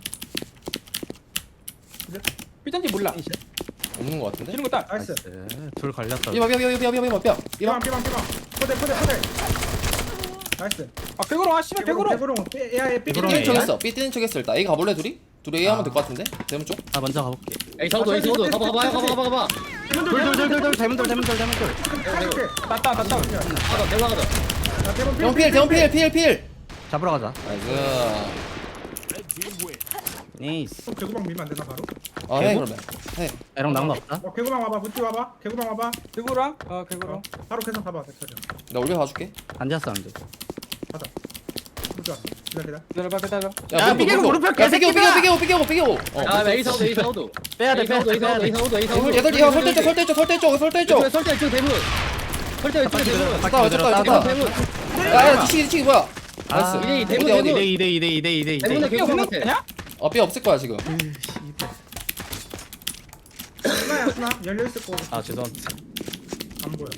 S3: 삐잔지 몰라.
S2: 없는 것 같은데?
S3: 이런 거 따.
S1: 나이스.
S4: 나이스. 둘 걸렸어.
S2: 삐봐 삐봐 삐봐 삐봐 삐봐 삐봐
S1: 피방
S2: 삐봐.
S1: 피방 피방. 포대 포대 포대. 나이스.
S3: 아 백으로 아 씨발 백으로.
S1: 백으로. 에아에 삐.
S4: 백으로.
S2: 뛰는 척
S4: A야?
S2: 했어. 삐 뛰는 척 했어 일단. A 가볼래 둘이? 둘이 A 하면 될 것 같은데? 대문 쪽?
S4: 나 먼저 가볼게.
S5: 에이 사우도 에이 사우도 가봐 가봐 가봐 가봐 가봐.
S4: 돌돌돌돌돌 대문돌 대문돌 대문돌.
S1: 살게.
S3: 따따 따따.
S5: 가다 대문 가다.
S1: 나 대문
S2: 대문 필 대문 필 필 필.
S4: 잡으러 가자.
S2: 나이스.
S6: Red team win.
S4: 네이스.
S1: 개구방 밀면 안 되나 바로?
S2: 아 해 그러면. 해.
S4: 에롱 낭만 없다.
S1: 어 개구방 와봐. 무티 와봐. 개구방 와봐.
S3: 백으로랑 어
S1: 어,
S3: 백으로.
S1: 바로 계산 봐봐. 대표님.
S2: 나 올려 봐줄게.
S4: 반자 사운드.
S1: 가자. 무티 왔어. 기다려 기다려.
S3: 기다려봐 기다려.
S2: 야 삐개고 무릎 펴. 야 삐개고 삐개고 삐개고 삐개고 삐개고. 어.
S5: 야 에이 사우도 에이 사우도.
S4: 빼야 돼
S5: 에이
S4: 빼야
S5: 사우도
S4: 돼
S5: 에이
S4: 빼야
S5: 사우도 에이
S4: 돼.
S5: 사우도 에이 사우도.
S2: 얘들 야 설대 쪽 설대 쪽 설대 쪽 설대 쪽.
S5: 왼쪽에 설대 왼쪽 대문. 설대 왼쪽에 대문.
S2: 됐다 됐다
S5: 대문
S2: 됐다.
S5: 대문.
S2: 야야 뒤치기 뒤치기 뭐야?
S4: 아,
S2: 나이스.
S5: 이대 이 대문
S2: 어디, 어디?
S5: 대문.
S4: 이대 이대 이대 이대 이대 이대.
S5: 대문에
S3: 이게
S5: 개구방
S3: 없는
S5: 같아.
S3: 거냐?
S2: 어 삐 없을 거야 지금.
S1: 스나야 스나. 열려 있을 거고.
S4: 아 죄송합니다.
S1: 안 보여.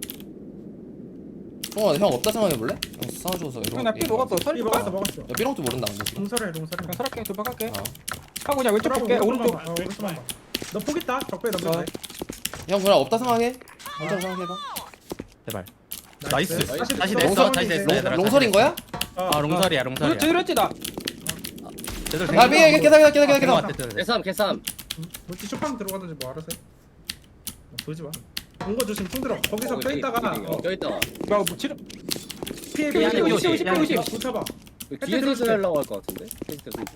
S2: 어, 형 없다 생각해 볼래? 형 싸워줘서 이런.
S3: 나삐 녹았어.
S1: 삐
S3: 설리
S1: 먹었어
S3: 먹었어.
S1: 먹었어.
S2: 야 삐롱도 모른다 근데 지금.
S1: 동설해 동설해.
S3: 그냥 서랍게 도박할게.
S2: 어.
S3: 하고 그냥 왼쪽 볼게. 오른쪽.
S1: 어 오른쪽만 봐. 너폭 있다. 적배 넘겨.
S3: 어.
S2: 형 그냥 없다 생각해. 혼자 생각해봐.
S4: 제발. 나이스. 다시
S2: 롱설-
S4: 냈어. 다시 냈어. 얘들아.
S2: 롱설인 거야?
S4: 아 롱설이야
S3: 그렇지
S4: 롱설이야.
S3: 그렇지 나.
S4: 쟤들
S2: 야 삐, 계산 계산 계산 계산
S4: 같아,
S2: 계산.
S4: 쟤들.
S5: 개삼 개삼.
S1: multi 쇼팡 들어가든지 뭐 알아서 해. 어, 보지 마. 온거 조심 총 들어. 거기서
S5: 어,
S1: 껴있다가
S5: 여기,
S1: 어,
S5: 여기 껴있다가.
S3: 야 뭐 치료.
S1: 피해
S3: 피해,
S1: 피해
S3: 오십, 오십,
S1: 피해
S3: 오십.
S1: 붙여봐.
S5: 뒤에서 지나려고 할 것 같은데. 캐릭터 선수.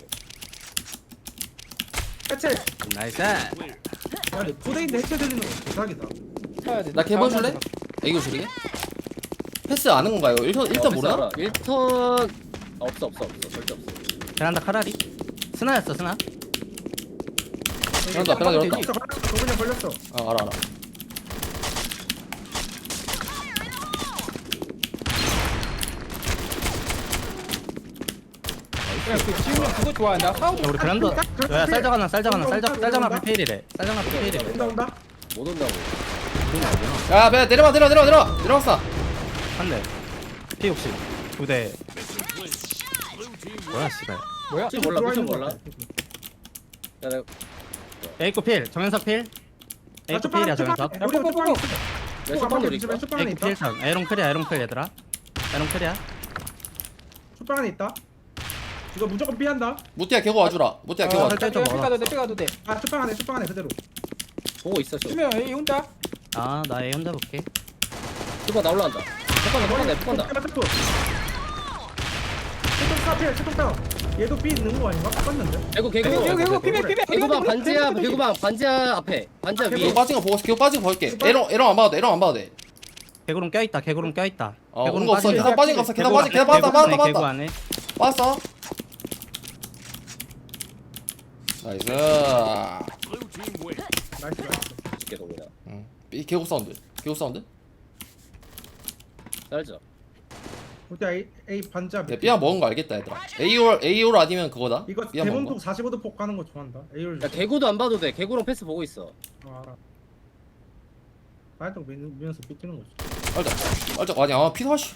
S1: 해체.
S4: 나이스.
S1: 야, 내 포대인데 해체 들리는 거 대박이다.
S3: 쳐야 돼.
S2: 나 개보 줄래? 애교 줄이게? 패스 아는 건가요? 일 턴 일 턴 모르나?
S5: 일 턴 아, 없어 없어 없어 절대 없어.
S4: 베란다 카라리. 스나였어 스나.
S2: 베란다 베란다 열었다.
S1: 걸렸어, 걸렸어. 그냥 걸렸어.
S2: 아 알아 알아.
S3: 그냥 그 지훈이 형 그거 좋아한다.
S4: 야
S3: 사우도.
S4: 우리 베란다. 야 쌀자가나 쌀자가나 쌀자 쌀자나 피페일이래. 쌀자나 피페일이래.
S1: 온다 온다.
S5: 못 온다고.
S2: 야 배, 내려와 내려와 내려와 내려와 내려왔어.
S4: 한 대. 피 육십. 두 대.
S6: Blue team win.
S4: 뭐야 씨발.
S3: 뭐야?
S5: 미션 몰라 미션 몰라.
S1: 아,
S5: 야 내가
S4: 에이코 필. 정현석 필. 에이코 필이야 정현석.
S1: 우리
S3: 뽀뽀,
S1: 쇼팡
S3: 뽀뽀.
S1: 있어.
S5: 내 쇼팡 노리 있다.
S1: 쇼팡 안에
S4: 에이코
S1: 있다.
S4: 필 선. 에롱 클이야 에롱 클 얘들아. 에롱 클이야.
S1: 쇼팡 안에 있다. 이거 무조건 피한다.
S2: 무띠야 개고 와주라. 무띠야 개고
S4: 아,
S2: 와주라.
S4: 설정
S3: 삐
S4: 먹어.
S3: 가도 돼. 삐 가도 돼.
S1: 아 쇼팡 안에 쇼팡 안에 그대로.
S5: 보고 있어 쇼.
S3: 주면 A 혼자.
S4: 아 나 A 혼자 볼게.
S5: 쇼팡 나 올라간다. 쇼팡 나 쇼팡 나 쇼팡 나.
S1: 체통 스타 피해 체통 다운. 얘도 삐 있는 거 아닌가? 똑같는데.
S5: 개구 개구.
S3: 개구 개구 피면 피면.
S5: 개구방 반지야 개구방 반지야 앞에 반지야
S2: 개고
S5: 위에.
S2: 빠진 거 보고 개고 빠진 거 볼게. 에롱 에롱 안 봐도 돼. 에롱 안 봐도 돼.
S4: 개구름 껴있다 개구름 껴있다
S2: 어
S4: 개구름
S2: 오는 거 없어
S4: 빠진다.
S2: 계단 빠진 거 없어 계단
S4: 개구
S2: 빠진 계단
S4: 안에,
S2: 빠졌다
S4: 개구
S2: 빠졌다
S4: 안에, 개구
S2: 빠졌다
S4: 안에.
S2: 빠졌어 나이스
S6: Blue team win.
S1: 나이스 나이스.
S5: 계속 그냥
S2: 응. 이 개구 사운드 개구 사운드
S5: 잘죠.
S1: 우리 A A 반자.
S2: 내 삐약 먹은 거 알겠다 얘들아 에이올 에이올 아니면 그거다
S1: 이거
S2: 삐약 먹은 거
S1: 대문폭 사십오 도 폭 가는 거 좋아한다. A를.
S5: 야 개구도 안 봐도 돼. 개구랑 패스 보고 있어.
S1: 아, 알아. 발동 밀면서 삐끼는 거지.
S2: 알자 알자 아니 아 피사시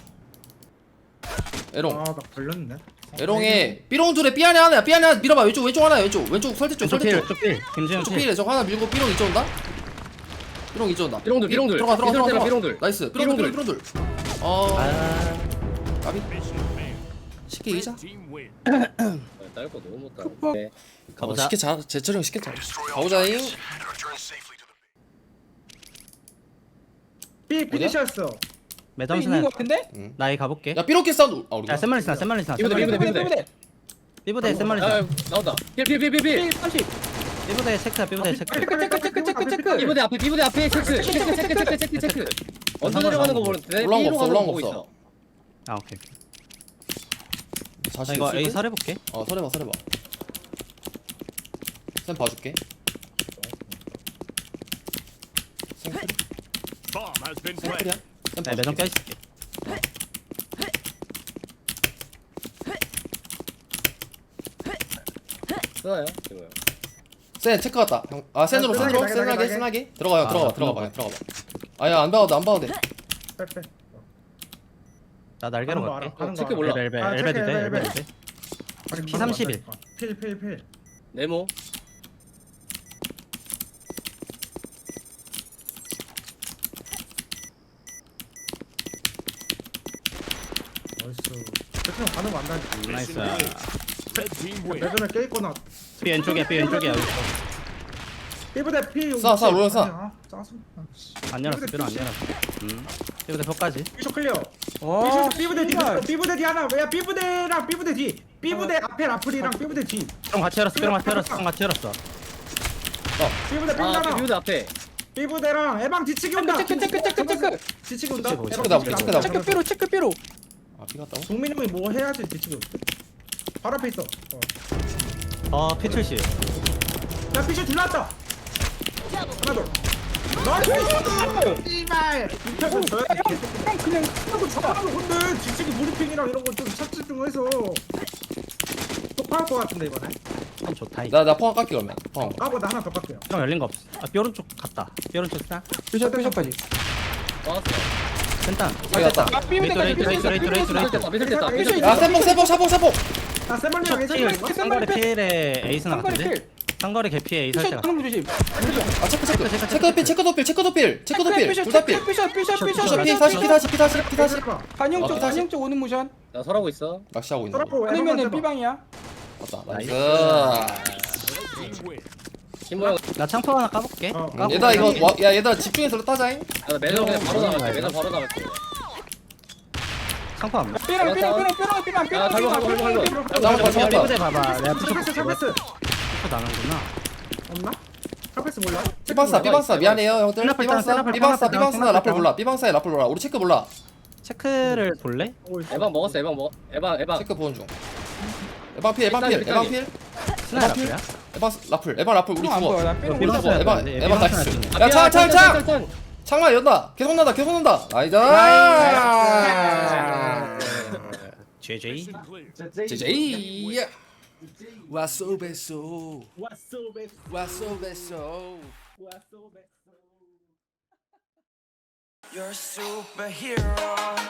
S2: 에롱
S1: 아, 나 걸렸네.
S2: 에롱에 삐롱 둘에 삐 안에 하나야 삐 안에 하나 밀어봐 왼쪽 왼쪽 하나 왼쪽 왼쪽 설대 쪽
S4: 왼쪽
S2: 설대
S4: 필
S2: 쪽
S4: 왼쪽 필 김지현
S2: 왼쪽
S4: 필
S2: 필에 저 하나 밀고 삐롱 이쪽 온다 삐롱 이쪽 온다
S5: 삐롱들, 삐롱들.
S2: 들어가 들어가 들어가
S5: 삐롱들이랑
S2: 들어가
S5: 삐롱들.
S2: 나이스 삐롱들
S5: 삐롱들.
S2: 삐롱들 어
S4: 아
S2: 까비
S6: Mission failed.
S2: 쉽게 이기자
S6: Red team win.
S5: 딸거 너무 못다.
S3: 쿠퍼.
S5: 네.
S2: 가보자
S4: 가보자.
S2: 쉽게 잘 제철형 쉽게 잘 가보자잉
S1: B 피니셔였어.
S4: 매점
S3: 있는
S4: 스나
S3: 거 같은데?
S4: 나이 가볼게
S2: 야 삐롱 사운드 아 우리가
S4: 야 센말리 스나 센말리 스나
S5: 삐부대,
S4: 센말리
S5: 삐부대,
S4: 스나.
S5: 삐부대.
S4: 삐부대 센말리
S5: 아
S4: 스나
S5: 나온다. 필필필필필.
S3: 필 삼십.
S4: 삐부대 체크야 삐부대 체크
S3: 체크 체크 체크 체크 체크.
S5: 비부대 앞에 비부대 앞에 체크 체크 체크 체크 체크 체크. 언제 내려가는 거 모르는데.
S2: 올라온 거
S5: B로
S2: 없어
S5: 가는
S2: 올라온 거
S5: 보고 있어.
S2: 없어
S4: 아 오케이 나
S2: 사실
S4: 이거 A 설해볼게
S2: 어 설해봐 설해봐 쌤 봐줄게 생크리
S6: Bomb has been
S2: 생크리야
S6: planted.
S2: 쌤
S4: 네 매점
S2: 봐줄게
S4: 껴있을게
S5: 쓰나요? 이거요.
S2: 센 체크 갔다 형. 아 센으로
S1: 아,
S2: 센으로
S1: 나게, 나게,
S2: 센하게
S1: 나게.
S2: 센하게 들어가요
S4: 아,
S2: 들어가 들어가 봐 들어가 봐 아야 안 봐도 돼, 안 봐도 돼
S1: 빼빼.
S4: 나 날개로
S1: 가는 거
S4: 갈게
S1: 알아, 가는 거
S5: 체크
S1: 알아.
S5: 몰라.
S4: 엘베
S1: 아,
S4: 엘베도
S1: 체크,
S4: 돼
S1: 엘베,
S4: 엘베도 돼
S1: 아니,
S4: 피
S1: 가는 거
S4: 삼십일.
S1: 같다니까. 필, 필, 필.
S5: 네모.
S1: 나이스. 대충 가는 거 안다니까.
S4: 나이스
S6: Red team win.
S1: 매점에 깨있거나.
S4: B 왼쪽이야 B 왼쪽이야 여기 있어.
S1: B부대 P.
S2: 쏴, 쏴, 올려, 쏴.
S1: 아니야, 짜증. 아, 씨.
S4: 안 열었어 B는 안 열었어 음 B부대 벽까지
S1: 비쇼 클리어.
S3: 와.
S1: 비쇼 B부대 뒤.
S3: 씨발.
S1: B부대 뒤 하나. 야, B부대랑 B부대 뒤. B부대 앞에 라플이랑 B부대 뒤.
S4: 형 같이 열었어 B랑 같이 열었어 형 같이 열었어
S1: B부대
S5: 아
S1: B부대 하나.
S5: 비부대 앞에.
S1: B부대랑 에방 뒤치기 온다.
S3: 체크 체크 체크 체크.
S1: 뒤치기 온다.
S4: 체크,
S1: 에방
S2: 체크다,
S1: 뒤치기
S2: 체크다.
S1: 온다.
S3: 체크 삐로 체크 삐로.
S2: 아 삐갔다고?
S1: 동민이 형이 뭐 해야지 뒤치기 온다. 바로 앞에 있어. 어.
S4: 어 P 칠십
S1: 야, 비쇼 둘났다. 하나 더. 나이스! 씨발! 이태곤 져야 돼.
S3: 형 그냥
S1: 하고 저하고 근데 뒤치기 브리핑이랑 이런 거좀 착지 좀 해서 똑할 것 같은데 이번에.
S4: 참 좋다 이
S2: 나나 포함 깎기 그러면 포함
S1: 까보다 하나 더 깎게요.
S4: 형 열린 거 없어 아 B 오른쪽 갔다 B 오른쪽 스나
S3: 삐셔 삐셔까지.
S5: 왔어.
S4: 센탄
S2: 삐갔다
S3: 아 삐부대까지
S4: 레이트, 레이트, 레이트, 레이트, 레이트.
S5: 됐다. 미들 됐다. 미들
S3: 삐셔
S5: 됐다.
S2: 야 세봉 세봉 사봉 사봉
S1: 아, 세번이랑
S4: 첫
S1: 에이스
S4: 일 상거리 필에 에이스나
S3: 상거리
S4: 같은데?
S3: 필.
S4: 상거리 개피에 에이스
S3: 삐셔
S4: 할때
S3: 하는 거 조심.
S2: 아 체크 체크 체크 도필 체크 도필 체크 도필 체크 도필
S3: 삐셔
S2: 둘다 필
S3: 삐셔 삐셔 삐셔
S2: 삐셔
S3: 삐셔
S2: 피 사십 피 사십 피 사십 피 사십
S3: 반영
S2: 어,
S3: 쪽
S2: 다시.
S3: 반영 쪽 오는 모션.
S5: 나 설하고 있어.
S2: 낚시하고 있는 거
S1: 서라포
S3: 아니면은 B방이야.
S2: 맞다 나이스
S6: Red team win.
S5: 김모양.
S4: 나 창포 하나 까볼게
S1: 어,
S2: 음, 얘들아 이거 와, 야 얘들아 집중해서 따자잉
S5: 나 매점 그냥 바로 나갈게. 매점 바로 나갈게.
S4: 창포 안 봐.
S3: 삐랑 삐랑 삐랑 삐랑 삐랑 삐랑
S5: 야, 밟아, 밟아, 밟아, 밟아.
S3: 삐랑
S2: 잠깐만
S4: 형
S2: 잠깐만
S4: 리브대 봐봐 내가 푸시
S1: 샤패스 샤패스
S4: 푸시 나는구나
S1: 없나? 샤패스 몰라?
S2: 삐방사 삐방사 미안해요 형들
S4: 세나플
S2: 삐방사
S4: 세나플
S2: 삐방사
S4: 세나플
S2: 삐방사
S4: 세나플
S2: 라플 몰라 삐방사에 라플 몰라 우리 체크 몰라
S4: 체크를 볼래?
S1: 오고 있어.
S5: 에방 먹었어. 에방 먹. 에방 에방.
S2: 체크 보는 중 에방 필 에방 필 에방 필
S4: 스나이 라플이야?
S2: 에방 라플 에방 라플 우리
S3: 안
S2: 죽어
S3: 보여. 나 삐랑
S4: 삐방
S3: 못
S4: 써야
S3: 잡아.
S2: 에방
S4: 돼.
S2: 에방
S4: 삐방
S2: 나이스
S4: 써야 돼.
S2: 야창창창 창만 연다 계속 난다 계속 난다 나이스
S4: 제이제이
S6: Mission clear.
S2: 제제이 와소 베소
S1: 왔어 베스
S2: 와소 베소
S1: 왔어 베스
S7: You're a superhero.